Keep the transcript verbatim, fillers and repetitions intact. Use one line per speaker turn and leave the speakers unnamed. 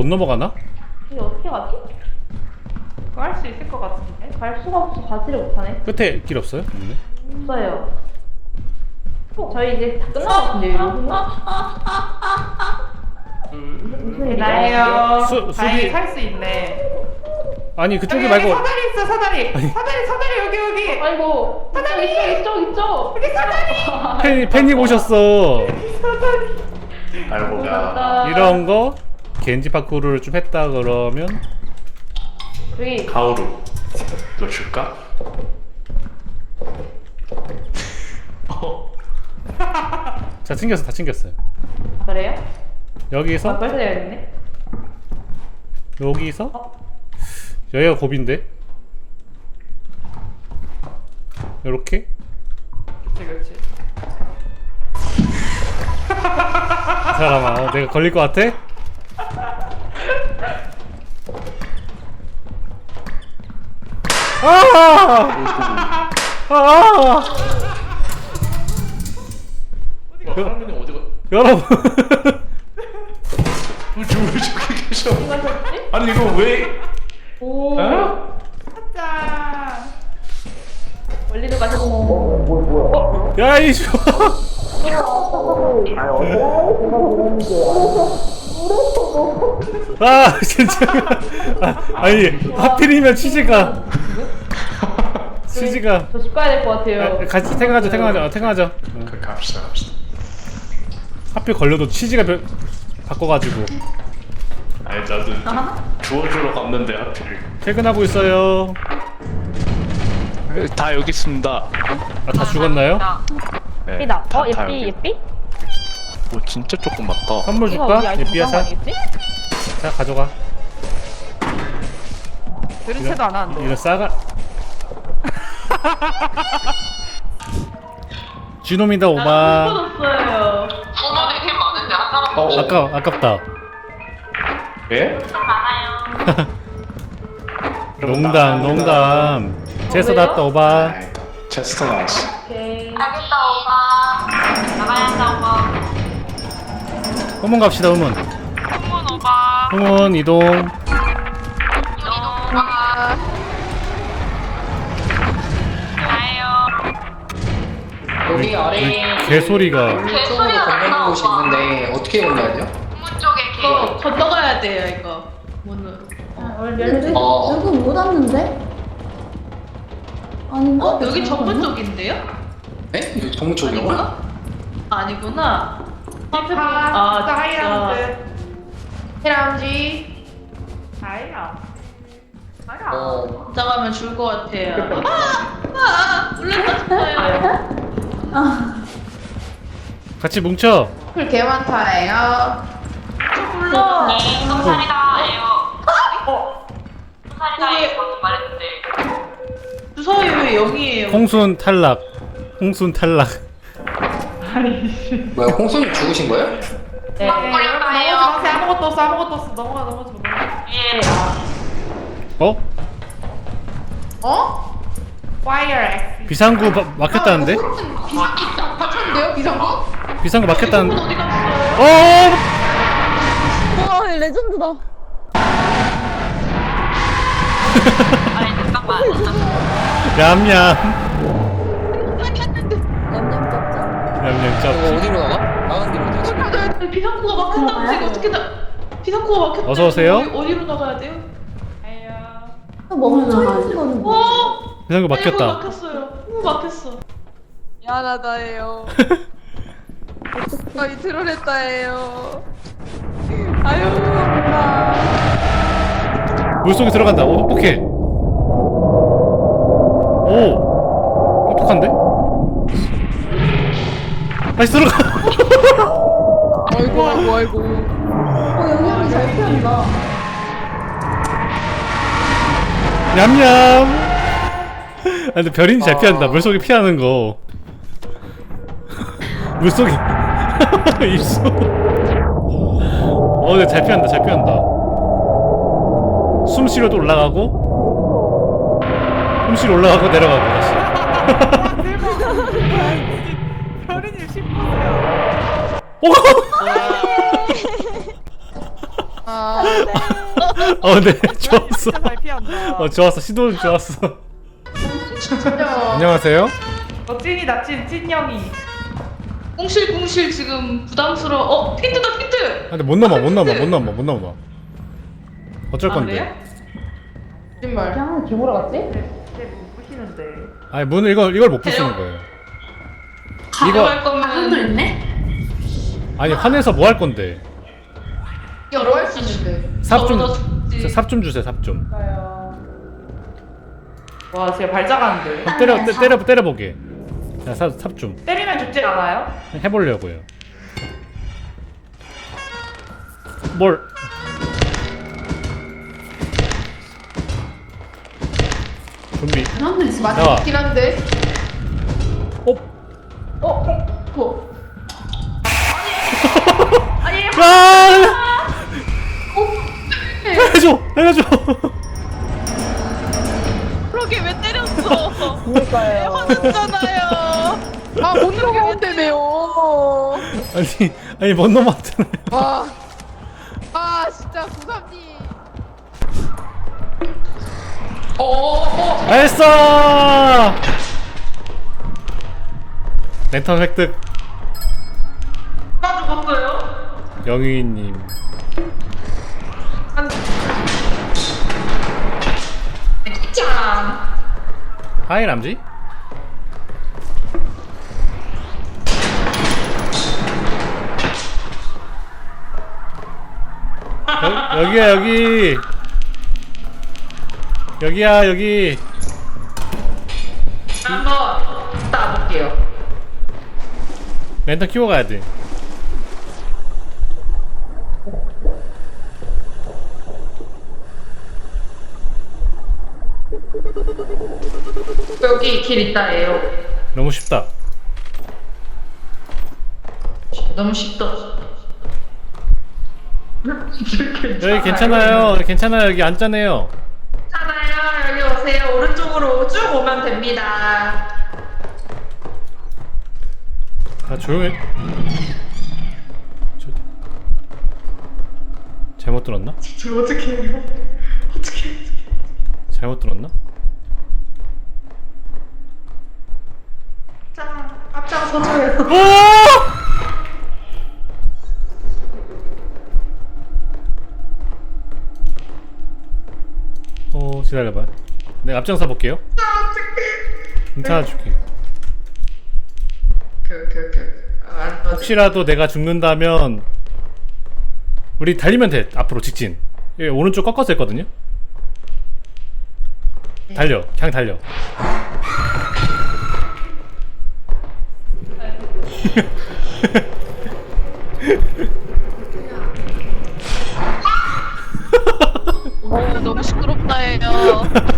넘어가나?
이게 어떻게 가지? 그거 할 수 있을 것 같은데? 갈 수가 없어. 가지를 못하네.
끝에 길 없어요? 없네.
없어요. 저희 이제 다 끝난 것 같은데요, 이거? 무슨
나예요.
수-
다행히
수비-
살 수 있네.
아니 그쪽이
여기,
말고
여기 사다리 있어, 사다리. 사다리, 사다리 여기 여기.
아이고,
사다리!
이쪽, 이쪽, 이쪽.
여기 사다리.
팬, 팬님 오셨어.
사다리.
알고가
이런 거 겐지 파쿠르를 좀 했다 그러면
여기
가오루 너 줄까? 어.
자 챙겼어 다 챙겼어요.
그래요?
여기서
아, 벌써 되어있네.
여기서
어?
여기가 고비인데 요렇게
그렇지, 그렇지.
사람아 어, 내가 걸릴 것 같아? 아! 아!
어디가 사람들이 어디가
여러분
왜 저기 저기 계셔?
누가 샀지?
아니 이거 왜?
오.
어?
짠.
원리도 가지고.
야 이씨 아 진짜 아, 아니 하필이면 치즈가 치즈가
저 집 가야 될 것 같아요.
아, 같이 퇴근하자 퇴근하자 어, 퇴근하자 응.
그 갑시다 갑시다.
하필 걸려도 치즈가 별, 바꿔가지고
아니 나도 주워주러 갔는데 하필.
퇴근하고 있어요.
다 여기 있습니다.
아 다 죽었나요?
네,
예삐다.
다-
어,
다
예삐,
여기.
예삐?
오 진짜 조금 많다.
선물
이거 우리
줄까?
아이템
예삐야
구한 거
자,
아니겠지?
자 가져가.
들은 채도 안 하는데.
이거 싸가 쥐놈이다 오바.
줬어요.
어, 어.
아까 아깝다.
예?
농담 농담. 제서
왜요?
났다 오바.
아이, 체스터 나왔어.
오케이.
알겠다 오빠 나가야 한다 오빠
후문 갑시다 후문.
후문 오빠
후문 이동.
이동 오빠 가요
여기 아래에
개소리가.
쪽으로 건너는 곳이 있는데 어떻게 건너야 돼요?
후문 쪽에
이거
개
건너가야 돼요, 이거. 문으로.
어,
여기 못 왔는데? 아닌가?
어? 여기 정문 쪽인데요?
네? 여기 동쪽이요
아니구나? 아니구나. 앞에 보-
아,
아,
다이아몬드. 헤람지. 다이아. 다이아.
어,
진짜 가면 죽을 것 같아요. 아! 아! 물렸다 싶어요.
같이 뭉쳐.
풀 개 많다예요.
저 불러.
네 똥살이다 에요 어? 똥살이다 에요 방금 말했는데
주사위 왜 영이에요?
홍순 탈락. 홍순 탈락.
뭐야, 홍순 죽으신 거예요?
네.
막 걸렸다예요
넘어지 마세요. 아무것도 없어, 아무것도 없어. 넘어가, 넘어지 마.
위에
어?
어? Fire X.
비상구 바, 막혔다는데?
비상구 다쳤는데요, 비상구?
비상구 막혔다는데?
어디 갔어요?
어!
와, 레전드다.
아니 잠깐만
얌얌.
냠냠 짭짭.
얌얌
이거
짭.
어디로 나가? 나가는 길로 되지?
비상구가 막혔다고 지금 어떻게 나? 비상구가 막혔다.
어서 오세요.
어디로 나가야 돼요?
아야.
멈춰있는 거는 뭐야?
어?
비상구
후
막혔다.
막혔어요. 후 막혔어.
미안하다예요. 저희 트롤했다예요. 아유, 몰라.
물속에 들어간다. 오, 똑똑해. 오, 똑똑한데? 다시 들어가.
아이고, 아이고, 아이고.
어, 영향이 잘 피한다.
냠냠. 아, 근데 별인이 잘 피한다. 물속에 피하는 거. 물속에 입수. 어, 근데 잘 피한다. 잘 피한다. 숨 쉬려도 올라가고, 숨 쉬러 올라가고 내려가고 다시.
별이님 십 분이요.
오!
아,
어 근데 좋았어.
진짜 잘 피한다.
어 좋았어. 시도는 좋았어. 안녕하세요.
어 찐이다 찐 찐영이. 꽁실꽁실 지금 부담스러워. 어 핀트다 핀트.
아, 근데 못 넘어 못 넘어 못 넘어 못 넘어. 어쩔
아,
건데?
그래요?
거짓말.
그냥 기보러 갔지?
쟤못 부시는데.
아니 문을 이걸 이걸 못 부수는 거예요.
가져갈 거면
한도 있네?
아니 화내서 뭐 할 건데?
여러 할수 있는데.
삽 좀
저보다 죽지.
삽 좀 주세요 삽 좀.
와, 쟤 발작하는데.
그럼 때려 때, 때려 때려 보게. 자삽삽 좀
때리면 죽지 않아요?
해보려고요. 뭘? 좀비.
한도 있어.
나와.
맞긴 한데.
어?
어? 어?
아! 해줘 해줘.
그러게 왜 때렸어?
그러니까요.
화났잖아요. 아, 못 넘어온다며요.
아니 아니 못 넘어왔잖아요.
와. 아, 진짜 구삼님.
알았어. 랜턴 획득.
나 죽었어요?
영희님.
짠.
하이 람지. 여, 여기야 여기. 여기야 여기.
한번 따볼게요.
랜턴 키워 가야 돼.
여기 길 있다예요.
너무 쉽다.
너무 쉽다.
여기 괜찮아요. 괜찮아요. 여기 앉잖아요.
괜찮아요. 여기 오세요. 오른쪽으로 쭉 오면 됩니다.
아 조용해. 저... 잘못 들었나?
저 어떻게 해요? 어떻게 해요?
잘못 들었나?
자, 앞장서줘요.
어 기다려봐. 내가 앞장서 볼게요. 괜찮아 줄게.
오케이, 오케이, 오케이. 아, 안 터져.
혹시라도 내가 죽는다면 우리 달리면 돼. 앞으로 직진. 예, 오른쪽 꺾어서 했거든요. 달려. 그냥 달려.
어, 너무 시끄럽다 해요.